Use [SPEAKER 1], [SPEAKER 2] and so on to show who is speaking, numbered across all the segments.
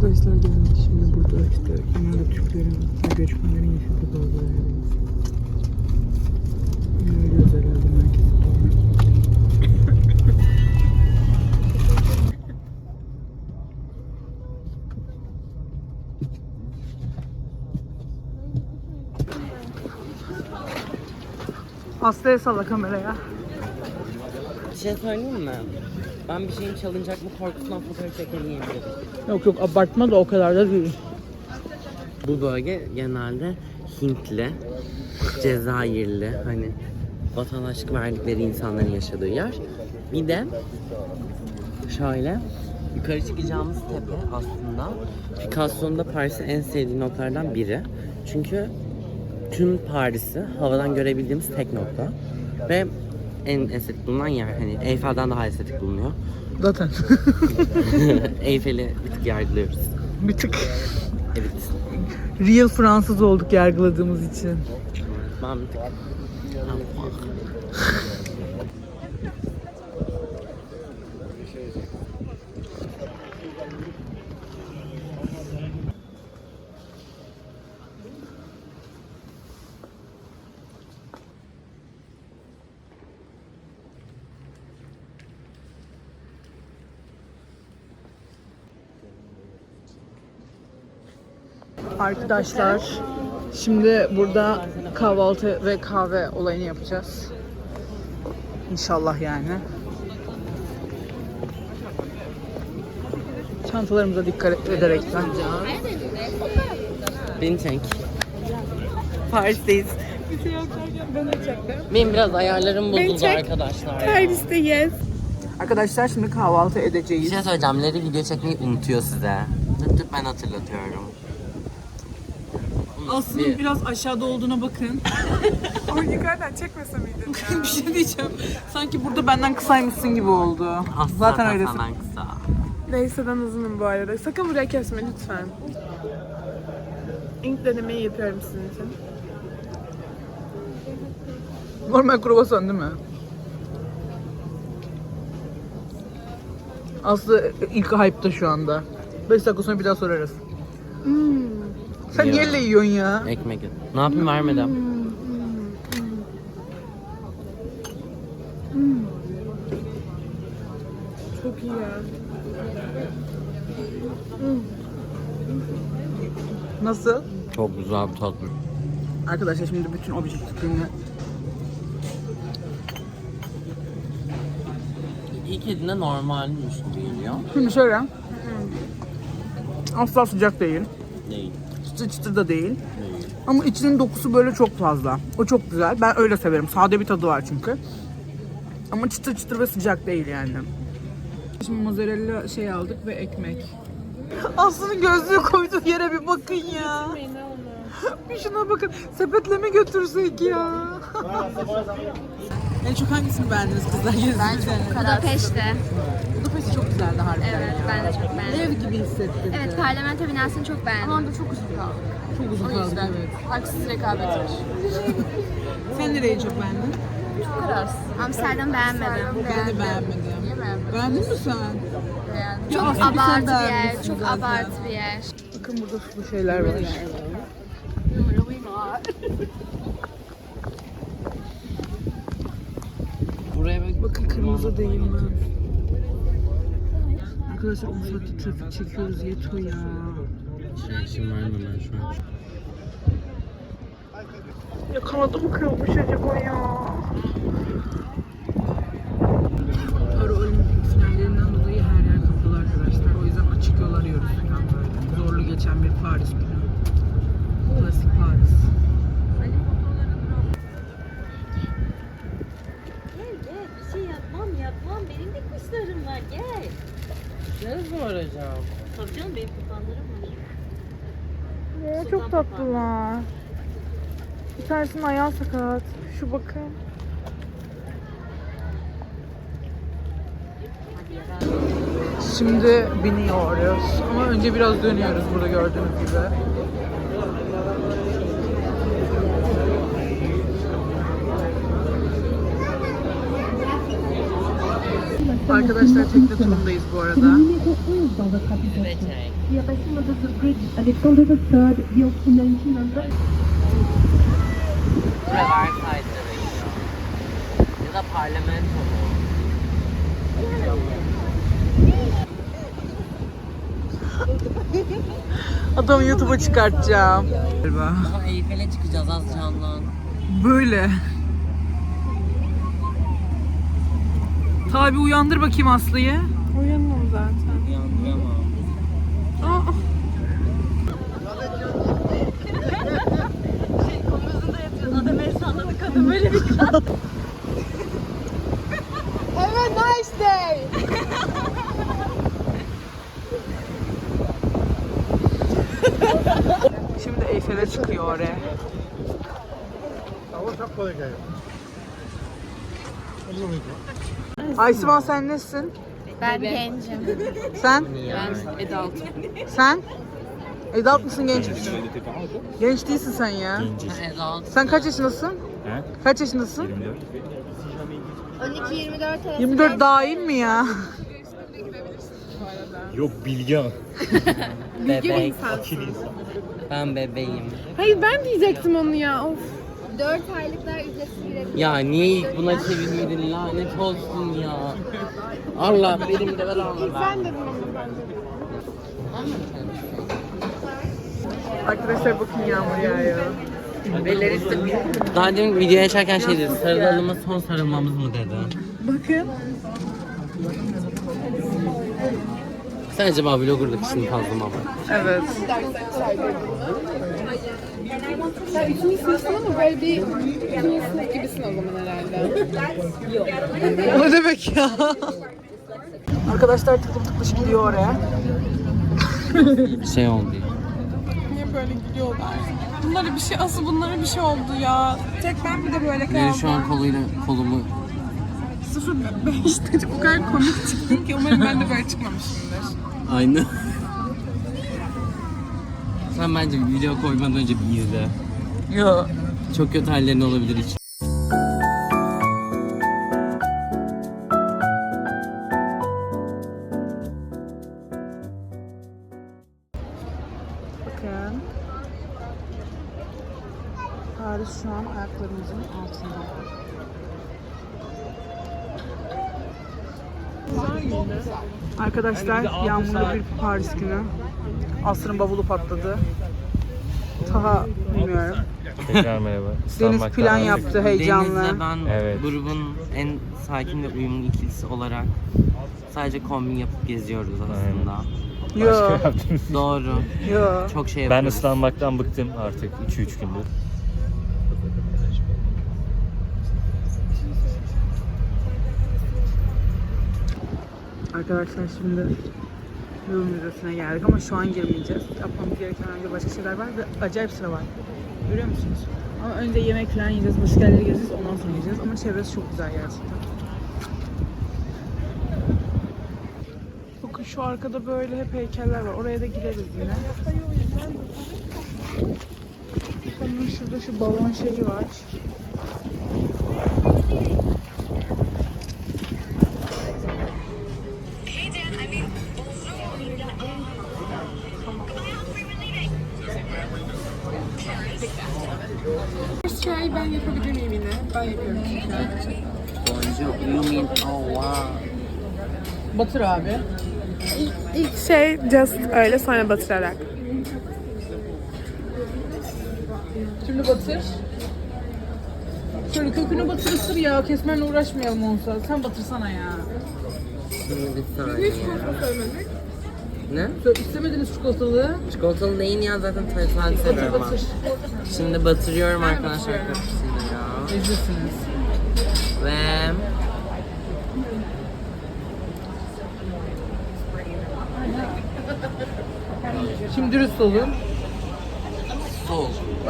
[SPEAKER 1] Arkadaşlar geldik şimdi burada işte genelde Türklerin ve göçmenlerin yaşadığı bazı yerdeyiz. Yürüyoruz herhalde merkeze doğru. Hastaya salla kameraya.
[SPEAKER 2] Bir şey söyleyeyim mi? Ben bir şeyin çalınacak mı korkusundan fotoğraf çekemeyeyim dedim.
[SPEAKER 1] Yok yok abartma da o kadar da değil.
[SPEAKER 2] Bu bölge genelde Hintli, Cezayirli, hani vatandaşlık verdikleri insanların yaşadığı yer. Bir de şöyle yukarı çıkacağımız tepe aslında Picasso'nun da Paris'in en sevdiği noktalardan biri. Çünkü tüm Paris'i havadan görebildiğimiz tek nokta ve en estetik bulunan yer. Hani Eyfel'den daha estetik bulunuyor.
[SPEAKER 1] Zaten.
[SPEAKER 2] Eyfel'i bir tık yargılıyoruz.
[SPEAKER 1] Bir tık.
[SPEAKER 2] Evet.
[SPEAKER 1] Real Fransız olduk yargıladığımız için.
[SPEAKER 2] Ben bir tık...
[SPEAKER 1] Arkadaşlar şimdi burada kahvaltı ve kahve olayını yapacağız. İnşallah yani. Çantalarımıza dikkat ederekten.
[SPEAKER 2] Beni çek. Paris'teyiz. Benim biraz ayarlarım bozuldu arkadaşlar.
[SPEAKER 1] Paris'teyiz. Arkadaşlar şimdi kahvaltı
[SPEAKER 2] Bir
[SPEAKER 1] edeceğiz.
[SPEAKER 2] şey söyleyeceğim. Leri video çekmeyi unutuyor size. Tık ben hatırlatıyorum.
[SPEAKER 1] Aslında biraz aşağıda olduğuna bakın.
[SPEAKER 3] Ama yukarıdan çekmese miydin ya?
[SPEAKER 1] Bir şey diyeceğim. Sanki burada benden kısaymışsın gibi oldu.
[SPEAKER 2] Aslında
[SPEAKER 1] Zaten öylesin.
[SPEAKER 2] senden kısa.
[SPEAKER 3] Neyse ben uzunum bu arada. Sakın buraya kesme lütfen. İlk denemeyi yapıyorum sizin için.
[SPEAKER 1] Normal kruvasan değil mi? Aslı ilk hype'ta şu anda. 5 dakika sonra bir daha sorarız. Sen
[SPEAKER 2] Ya.
[SPEAKER 1] niye elle yiyorsun ya?
[SPEAKER 2] Ekmek. Ne yapayım vermeden?
[SPEAKER 3] Çok iyi ya.
[SPEAKER 1] Nasıl?
[SPEAKER 2] Çok güzel bir tatlı.
[SPEAKER 1] Arkadaşlar şimdi bütün objektifliğini
[SPEAKER 2] İlk yediğinde normalmiş gibi geliyor.
[SPEAKER 1] şimdi şöyle. Asla sıcak değil.
[SPEAKER 2] Değil.
[SPEAKER 1] Çıtır çıtır da değil.
[SPEAKER 2] Değil.
[SPEAKER 1] Ama içinin dokusu böyle çok fazla. O çok güzel. Ben öyle severim. Sade bir tadı var çünkü. Ama çıtır çıtır ve sıcak değil yani. Şimdi mozzarella şey aldık ve ekmek. Aslı'nın gözlüğü koyduğu yere bir bakın ya. Bir şuna bakın. Sepetle mi götürsek ya? En çok hangisini beğendiniz kızlar?
[SPEAKER 4] Ben çok Budapeşte.
[SPEAKER 1] Budapest çok güzeldi harbiden.
[SPEAKER 4] Evet, ben de çok beğendim.
[SPEAKER 1] Ev gibi hissettim.
[SPEAKER 4] Evet, parlamento binasını çok beğendim. Ama da çok uzun kaldı.
[SPEAKER 1] Çok uzun kaldı evet.
[SPEAKER 3] Haksız rekabet var.
[SPEAKER 1] Sen nereyi çok beğendin?
[SPEAKER 3] Çok kararsız.
[SPEAKER 4] Amsterdam beğenmedim.
[SPEAKER 1] Ben de beğenmedim.
[SPEAKER 3] Niye beğenmedin?
[SPEAKER 1] Beğendin mi sen?
[SPEAKER 3] Beğendim.
[SPEAKER 4] Çok
[SPEAKER 1] Aslında sen
[SPEAKER 4] abartı bir yer,
[SPEAKER 1] beğenmişsin
[SPEAKER 4] çok
[SPEAKER 1] zaten.
[SPEAKER 4] abartı bir yer.
[SPEAKER 1] Bakın burada sulu şeyler var.
[SPEAKER 2] Buraya bak.
[SPEAKER 1] Bakın kırmızı değil mi? Arkadaşlar 10 saatte trafik çekiyoruz yetiyor ya.
[SPEAKER 2] Reaksiyon vermem ben şu an.
[SPEAKER 1] Ya kanadım kırılmış acaba ya. Para Olimpik finallerinden dolayı her yer kapalı arkadaşlar. O yüzden açık yol arıyoruz falan böyle. Zorlu geçen bir Paris günü. Klasik Paris.
[SPEAKER 5] Gel gel bir şey yapmam benim de kuşlarım var gel.
[SPEAKER 2] Ne soracağım?
[SPEAKER 5] Tabii canım benim kupanlarım var.
[SPEAKER 3] Ya, çok tatlılar. Bir tanesinin ayağı sakat. Şu bakın.
[SPEAKER 1] Şimdi biniyoruz. Ama önce biraz dönüyoruz burada gördüğünüz gibi. Arkadaşlar tekne turundayız bu arada.
[SPEAKER 6] erection of the bridge, Alexander III built in 1900.
[SPEAKER 2] Buraya Versailles'e bekliyor. Ya da parlamento mu?
[SPEAKER 1] Adamı YouTube'a çıkartacağım. Galiba.
[SPEAKER 2] Daha Eyfel'e çıkacağız az canlan.
[SPEAKER 1] Böyle. Tabi uyandır bakayım Aslı'yı.
[SPEAKER 3] Uyanmam zaten.
[SPEAKER 2] Uyandıramam.
[SPEAKER 1] Şimdi Eyfel'e çıkıyor oraya. Aysivan sen nesin?
[SPEAKER 4] Ben gencim.
[SPEAKER 1] Sen?
[SPEAKER 2] Ben
[SPEAKER 1] Adult. Sen? Adult mısın genç misin? Genç değilsin sen ya. Sen kaç yaşındasın?
[SPEAKER 7] He?
[SPEAKER 1] Kaç yaşındasın?
[SPEAKER 4] 12-24 arası.
[SPEAKER 1] 24 dahil mi ya?
[SPEAKER 7] Yok Bilge.
[SPEAKER 2] Bebek. Ben bebeğim.
[SPEAKER 3] Hayır ben diyecektim onu ya. Of.
[SPEAKER 4] 4 aylıklar ücretsiz girebilir.
[SPEAKER 2] Ya niye ilk buna çevirmedin, lanet olsun ya. Allah benim de ver Allah.
[SPEAKER 3] Ben dedim onu ben dedim.
[SPEAKER 1] Arkadaşlar bakın yağmur yağıyor.
[SPEAKER 2] Daha demin videoya açarken şey dedi, sarılalım mı son sarılmamız mı dedi.
[SPEAKER 1] Bakın.
[SPEAKER 2] Sen acaba vloggerlık işini fazla mı var?
[SPEAKER 1] Evet.
[SPEAKER 3] Sen 3. sınıfsın ama böyle bir 2. sınıf gibisin o zaman herhalde.
[SPEAKER 1] O ne demek ya? Arkadaşlar tıklım tıklış gidiyor oraya.
[SPEAKER 2] Şey oldu.
[SPEAKER 3] Niye böyle gidiyorlar? Bunlara bir şey, asıl bunlara bir şey oldu ya. Tek ben bir de böyle
[SPEAKER 2] Biri
[SPEAKER 3] kaldım.
[SPEAKER 2] şu an kolumu
[SPEAKER 3] 0.5'te o kadar komik çıktım ki umarım ben de böyle çıkmamışımdır.
[SPEAKER 2] aynı. Sen bence bir video koymadan önce bir izle.
[SPEAKER 1] Yo.
[SPEAKER 2] Çok kötü hallerin olabilir hiç.
[SPEAKER 1] Bakın. Paris şu an ayaklarımızın altında. Arkadaşlar yağmurlu bir Paris günü. Asrın bavulu patladı. Taha bilmiyorum.
[SPEAKER 7] Tekrar merhaba.
[SPEAKER 1] Deniz
[SPEAKER 7] İstanbul'dan
[SPEAKER 1] plan
[SPEAKER 7] aldık.
[SPEAKER 1] yaptı heyecanlı.
[SPEAKER 2] Deniz'le ben
[SPEAKER 7] Evet.
[SPEAKER 2] grubun en sakin ve uyumlu ikilisi olarak sadece kombin yapıp geziyoruz aslında.
[SPEAKER 1] Yo,
[SPEAKER 7] Başka yaptınız.
[SPEAKER 2] Doğru.
[SPEAKER 1] yo.
[SPEAKER 2] Çok şey
[SPEAKER 7] Ben
[SPEAKER 2] yapıyoruz.
[SPEAKER 7] ıslanmaktan bıktım artık 2-3 gündür.
[SPEAKER 1] Arkadaşlar şimdi Louvre Müzesi'ne geldik ama şu an girmeyeceğiz. Yapmamız gereken önce başka şeyler var ve acayip sıra var. Görüyor musunuz? Ama önce yemek falan yiyeceğiz, başka yerleri gezeceğiz, ondan sonra gideceğiz. Ama çevresi çok güzel gerçekten. Bakın şu arkada böyle hep heykeller var. Oraya da gireriz yine. Bakın şurada şu balon şeyi var.
[SPEAKER 3] Çay ben yapabilir miyim yine? Ben yapıyorum çünkü.
[SPEAKER 2] Bonjour, you mean oh wow.
[SPEAKER 1] Batır abi.
[SPEAKER 3] İlk şey just öyle sonra batırarak.
[SPEAKER 1] Şimdi batır. Şöyle kökünü batır ısır ya. Kesmenle uğraşmayalım olsa. Sen batırsana ya.
[SPEAKER 2] Şimdi bir saniye. Ne?
[SPEAKER 1] İstemediniz çikolatalı.
[SPEAKER 2] Çikolatalı değil ya zaten sade seviyorum ben.
[SPEAKER 1] Batır.
[SPEAKER 2] Şimdi batırıyorum arkadaşlar kapısını ya.
[SPEAKER 1] Ezirsiniz.
[SPEAKER 2] Ve
[SPEAKER 1] Şimdi dürüst olun.
[SPEAKER 2] sol.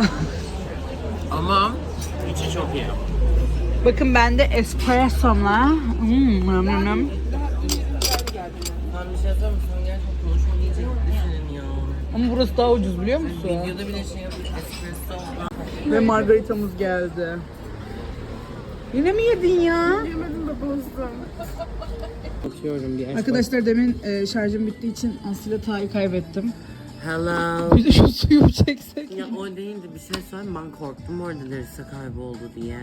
[SPEAKER 2] Ama içi çok iyi.
[SPEAKER 1] Bakın ben de espressomla. Nım nım nım.
[SPEAKER 2] Ben bir şey söyleyeyim mi? Sen gerçekten konuşma diyecek senin ya.
[SPEAKER 1] Ama burası daha ucuz biliyor musun?
[SPEAKER 2] Videoda bile şey yapmış espresso.
[SPEAKER 1] Ve margaritamız geldi. Yine mi yedin ya?
[SPEAKER 3] Yemedim de bozdum.
[SPEAKER 2] Bakıyorum bir
[SPEAKER 1] Arkadaşlar demin şarjım bittiği için Aslı'yla Ta'yı kaybettim.
[SPEAKER 2] Hello.
[SPEAKER 1] Bir de şu suyu çeksek.
[SPEAKER 2] Ya o değildi, bir şey söyleyeyim, ben korktum orada Larissa kayboldu diye.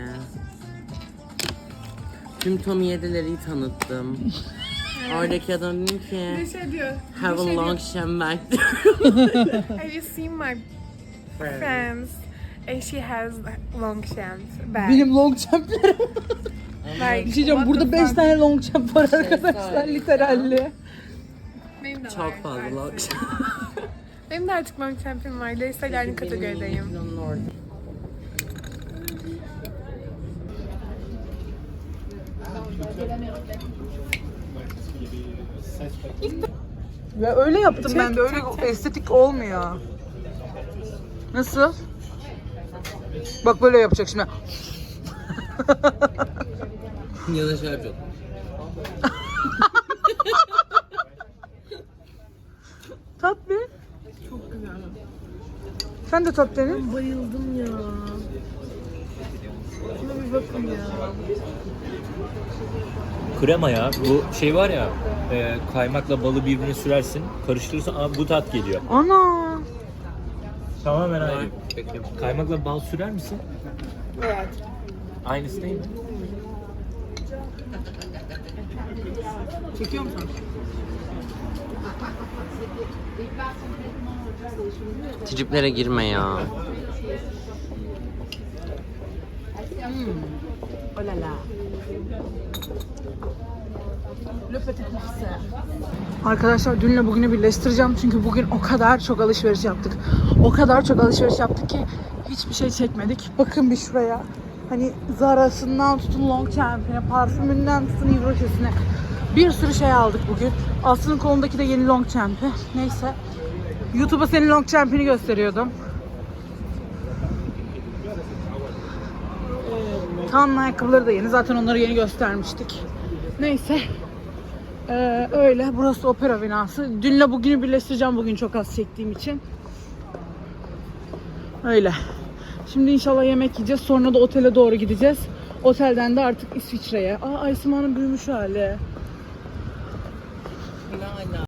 [SPEAKER 2] Tüm Tommy 7'leri tanıttım. Oradaki adam dedi ki
[SPEAKER 3] şey diyor.
[SPEAKER 2] have a long shamback.
[SPEAKER 3] Have you seen my friends? And she has long shanks back.
[SPEAKER 1] Benim long champ'lerim.
[SPEAKER 3] Like,
[SPEAKER 1] Bir şey diyeceğim, burada 5 tane long champ var arkadaşlar literalli.
[SPEAKER 3] benim de var.
[SPEAKER 2] Çok fazla long
[SPEAKER 3] Benim de artık long champ'im var. Leysa aynı kategorideyim.
[SPEAKER 1] Ya öyle yaptım ben de, öyle estetik olmuyor. Nasıl? Bak böyle yapacak şimdi.
[SPEAKER 2] Ya da şöyle yapacağım.
[SPEAKER 1] Tat bir.
[SPEAKER 3] Çok güzel.
[SPEAKER 1] Sen de tat Deniz.
[SPEAKER 3] Bayıldım ya. Şuna bir bakın ya.
[SPEAKER 7] Krema ya. Bu şey var ya, kaymakla balı birbirine sürersin, karıştırırsan bu tat geliyor.
[SPEAKER 1] Ana.
[SPEAKER 7] Tamamen aynı. Kaymakla bal sürer misin?
[SPEAKER 3] Evet.
[SPEAKER 7] Aynısı değil mi?
[SPEAKER 1] Çekiyor musun?
[SPEAKER 2] Triplere girme ya.
[SPEAKER 1] Olala. Arkadaşlar dünle bugünü birleştireceğim çünkü bugün o kadar çok alışveriş yaptık. O kadar çok alışveriş yaptık ki hiçbir şey çekmedik. Bakın bir şuraya. Hani Zara'sından tutun Long Champ'ine, parfümünden tutun Yves Rocher'sine. Bir sürü şey aldık bugün. Aslı'nın kolundaki de yeni Long Champ'i. Neyse. YouTube'a senin Long Champ'ini gösteriyordum. Kaan'ın ayakkabıları da yeni. Zaten onları yeni göstermiştik. Neyse. Öyle. Burası opera binası. Dünle bugünü birleştireceğim bugün çok az çektiğim için. Öyle. Şimdi inşallah yemek yiyeceğiz. Sonra da otele doğru gideceğiz. Otelden de artık İsviçre'ye. Aa, Aysima'nın büyümüş hali.